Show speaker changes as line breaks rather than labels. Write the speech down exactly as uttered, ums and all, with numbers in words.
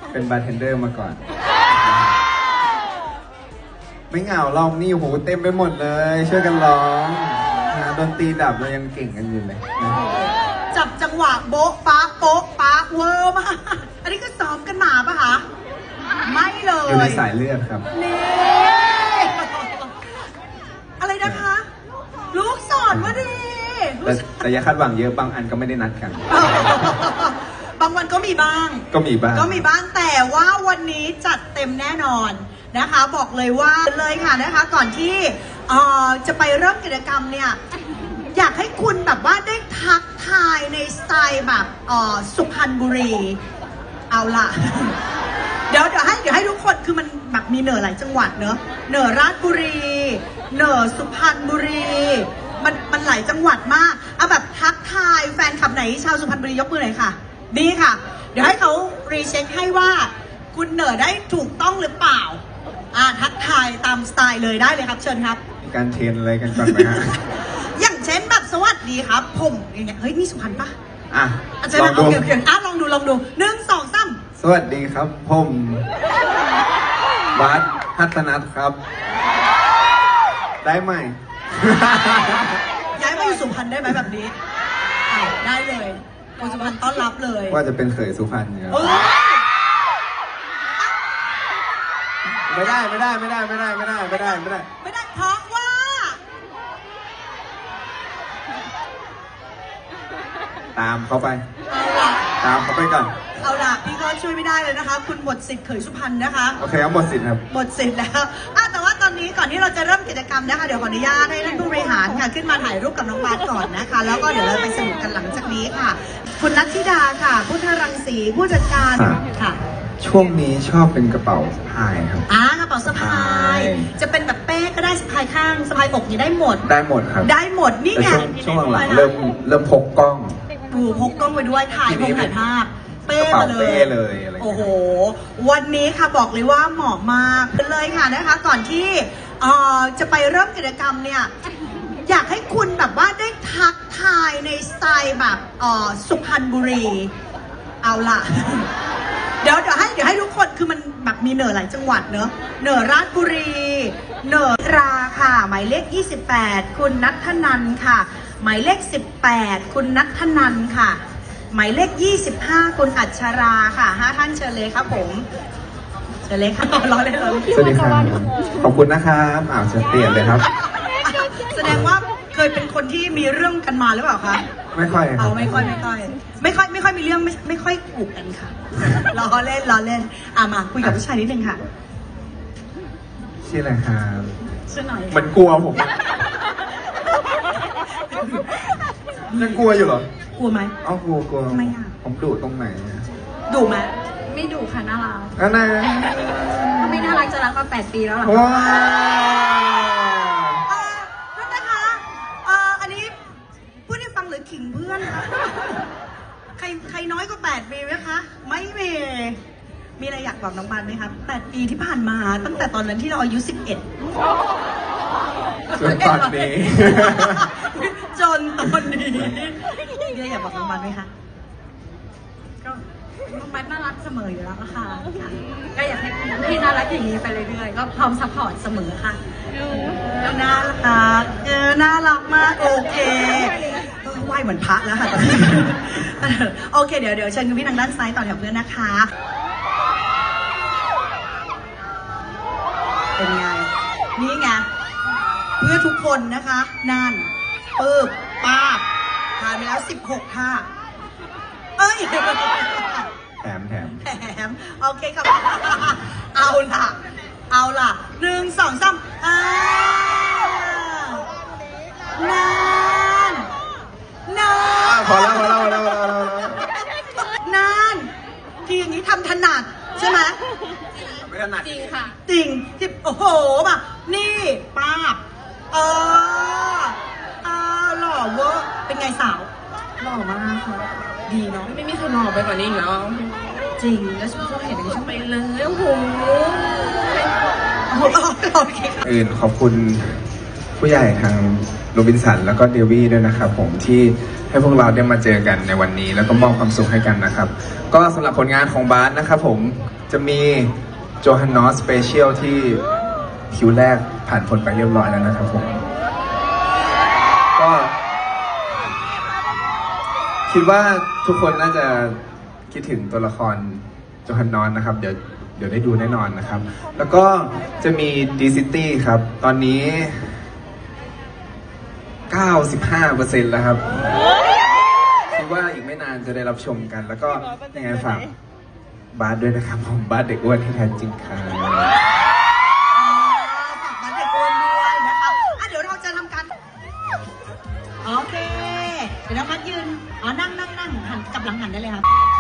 เป็นบาร์เทนเดอร์มาก่อนไม่เหงาลองนี่โหเต็มไปหมดเลยช่วยกันร้องนะดนตรีดับเรายังเก่งกันอยู่เลยนะ
จับจังหวะโบ๊ะป๊ะโป๊ะป๊ะเวอร์มากอันนี้ก็ซ้อมกันมาปะคะไม่เลย
อยู่ในสายเลือดครับ
นี่อะไรนะคะ ลูกสอนมาดี
แต่แต่อย่าคาดหวังเยอะบางอันก็ไม่ได้นัดกัน
บางวันก็มีบ้าง
ก็มีบ้าง
ก็มีบ้างแต่ว่าวันนี้จัดเต็มแน่นอนนะคะ บอกเลยว่าเลยค่ะนะคะ ก่อนที่เอ่อจะไปเริ่มกิจกรรมเนี่ยอยากให้คุณแบบว่าได้ทักทายในสไตล์แบบเอ่อสุพรรณบุรีเอาล่ะ เดี๋ยวเดี๋ยวให้เดี๋ยวให้ทุกคนคือมันแบบมีเหนือหลายจังหวัดเนอะเหนือราชบุรีเหนือสุพรรณบุรีมันมันหลายจังหวัดมากเอาแบบทักทายแฟนคลับไหนชาวสุพรรณบุรียกมือหน่อยค่ะดีค่ะเดี๋ยวให้เขารีเช็คให้ว่าคุณเหนือได้ถูกต้องหรือเปล่าอ่าทักทายตามสไตล์เลยได้เลยครับเชิญครับ
มีการเทรนอะไรกันก่อนไหมฮะ
อย่างเช่นแบบสวัสดีครับผมอย่างเงี้ยเฮ้ยนี่สุพรรณปะ
อ่ะ
อาจารย์
ลอง
เอา
ดู
เกี่ยวเกี่ยวอ่ะลองดูลองดูหนึ่งสองสาม
สวัสดีครับผมวัดพัฒนัทครับ ได้ไหม
ย้ายมาอยู่สุพรรณได้ไหมแบบนี้อ้าวได้เลยคนสุพรรณต้อนรับเลย
ว่าจะเป็นเขยสุพรรณเนี่ย
เอ้ย
ไม่ได้ไม่ได้ไม่ได้ไม่ได้ไม่ได้ไม่ได้ไม่ได้
ไม่ได้เพราะว่า
ตามเขาไป
เอาล่ะ
ตามเขาไปก่อน
เอาล่ะพี่ก็ช่วยไม่ได้เลยนะคะ คุณหมดสิทธิ์เขยสุพรรณนะคะ
โอเคครับหมดสิทธิ์ครับ
หมดสิทธิ์แล้วอ่ะแต่ว่าตอนนี้ก่อนที่เราจะเริ่มกิจกรรมนะคะเดี๋ยวขออนุญาตให้ท่านผู้บริหารค่ะขึ้นมาถ่ายรูปกับน้องบาสก่อนนะคะ แล้วก็เดี๋ยวเราไปสนุกกันหลังจากนี้ค่ะ คุณนัทธิดาค่ะพุทธรังสีผู้จัดการ
ครับ
ค่ะ
ช่วงนี้ชอบเป็นกระเป๋าสะพายครับ
อ่ากระเป๋าสะพาย
ใช่
จะเป็นแบบเป้ก็ได้สะพายข้างสะพายอกนี่ได้หมด
ได้หมดครับ
ได้หมดนี่
แต่
ไง
ช่วงช่วงหลังๆเริ่มเริ่มพกกล้อง
ดูพกกล้องไปด้วยถ่าย
ที
พ
นี้
งถ่ายภาพเป้
กระเป๋า
มาเล
เป้
ย
เลยอะไรอย่างเงี้ย
โอ้โหวันนี้ค่ะบอกเลยว่าเหมาะมากเลยค่ะนะคะ ก่อนที่เอ่อจะไปเริ่มกิจกรรมเนี่ยอยากให้คุณแบบว่าได้ทักทายในสไตล์แบบเอ่อสุพรรณบุรีเอาล่ะ เดี๋ยวเดี๋ยวให้เดี๋ยวให้ทุกคนคือมันแบบมีเหนือหลายจังหวัดเนอะเหนือราชบุรีเหนือราค่ะ หมายเลขยี่สิบแปดคุณนัทธนันท์ค่ะ หมายเลขสิบแปดคุณนัทธนันท์ค่ะ หมายเลขยี่สิบห้าคุณอัชราค่ะห้าท่านเชิญเลยครับผมเชิญเลยค่ะรอเลยรอเลย
สวัสดีครับขอบคุณนะครับอ้าวจะเปลี่ยนเลยครับ
แสดงว่าเคยเป็นคนที่มีเรื่องกันมาหรือเปล่าคะ
ไม่ค่อยครั
เอา
บ
ไม่ค่อยไม่ค่อยไม่ค่อยไม่ค่อยมีเรื่องไม่ไม่ค่อยถูกกันค่ะล้อเล่นล้อเล่นอ่ะมาคุยกับผู้ชายนิดนึงค่ะ
ชื่ออะไรครับ
ชื่อหน่อย
มันกลัวผมอะยังกลัวอยู่เหรอก
ลัวไหม
เอ้ากลัวกลัว
ทำไมอะ
ผมดุตรงไหนอะ
ดุไหม
ไม่ดุค่ะน่ารัก
อันนั้น
ถ้าไม่น่ารักจะรักมาแปดปีแล้วเหรอ
ว้าว
เอ่อนั่นนะคะเอ่ออันนี้พูดให้ฟังหรือขิงเพื่อนคะใครใครน้อยกว่าแปดปีไหมคะไม่มีมีอะไรอยากบอกน้องบานไหมครับแปดปีที่ผ่านมาตั้งแต่ตอนนั้นที่เราอายุสิบเอ็ด
จนตอนนี้
จนตอนนี้มีอะไรอยากบอกน้องบานไหมคะ
ก็น้องแบทน่ารักเสมออยู่แล้วค่ะ ก็อยากให้พี่น่ารักอย่างนี้ไปเรื่อยๆ ก็พร้อมซัพพอร์ตเสมอค่ะ
น่ารักเออน่ารักมากโอเคเออไหวเหมือนพระแล้วค่ะตอนนี้เออโอเคเดี๋ยวเดี๋ยวเชิญคุณพี่ทางด้านซ้ายต่อแถวเพื่อนนะคะเป็นไงนี่ไงเพื่อทุกคนนะคะนั่นปึ๊บป้าบผ่านไปแล้วสิบหกท่าเอ้ย
แถมแถม
แถมโอเคครับ เอาล่ะ เอาล่ะหนึ่งสองสามอ่านานนาน
พอแล้วพอแล้วพอแล้วพอแล้วพอแล้ว
นานทีอย่างนี้ทำถนัดใช่ไหม
ไม่ถนัด
จริงค่ะ
จริงที่โอ้โหแบบนี่ป้าบเออเออหล่อเวอร์เป็นไงสาว
หล่อมากค่ะ
ดีเนาะ
ไม่มีใครหล่อไปกว่านี้อีกแล้ว
จริง
แล้วฉันก็เห็นอย่างนี้ฉันไปเลยโอ้โห
โอ้โหโอเคค่ะ
อื่นขอบคุณผู้ใหญ่ทางโรบินสันแล้วก็เดวี่ด้วยนะครับผมที่ให้พวกเราได้มาเจอกันในวันนี้ แล้วก็มอบความสุขให้กันนะครับ ก็สำหรับผลงานของบาสนะครับผมจะมีโจฮันนอสสเปเชียลที่คิวแรกผ่านผลไปเรียบร้อยแล้วนะครับผม ก็คิดว่าทุกคนน่าจะคิดถึงตัวละครโจฮันนอสนะครับ เดี๋ยวเดี๋ยวได้ดูแน่นอนนะครับ แล้วก็จะมีดีซิตี้ครับ ตอนนี้ เก้าสิบห้าเปอร์เซ็นต์ แล้วครับคิดว่าอีกไม่นานจะได้รับชมกัน แล้วก็ยังไงฝากบาสด้วยนะครับผมบาสเด็กอ้วนที่แท้จริงครับ
ฝากบัตรเด็กอ้วนด้วยนะคะอ่ะเดี๋ยวเราจะทำการโอเค เดี๋ยวน้องพัดยืนอ๋อนั่งนั่งนั่งหันกลับหลังหันได้เลยครับ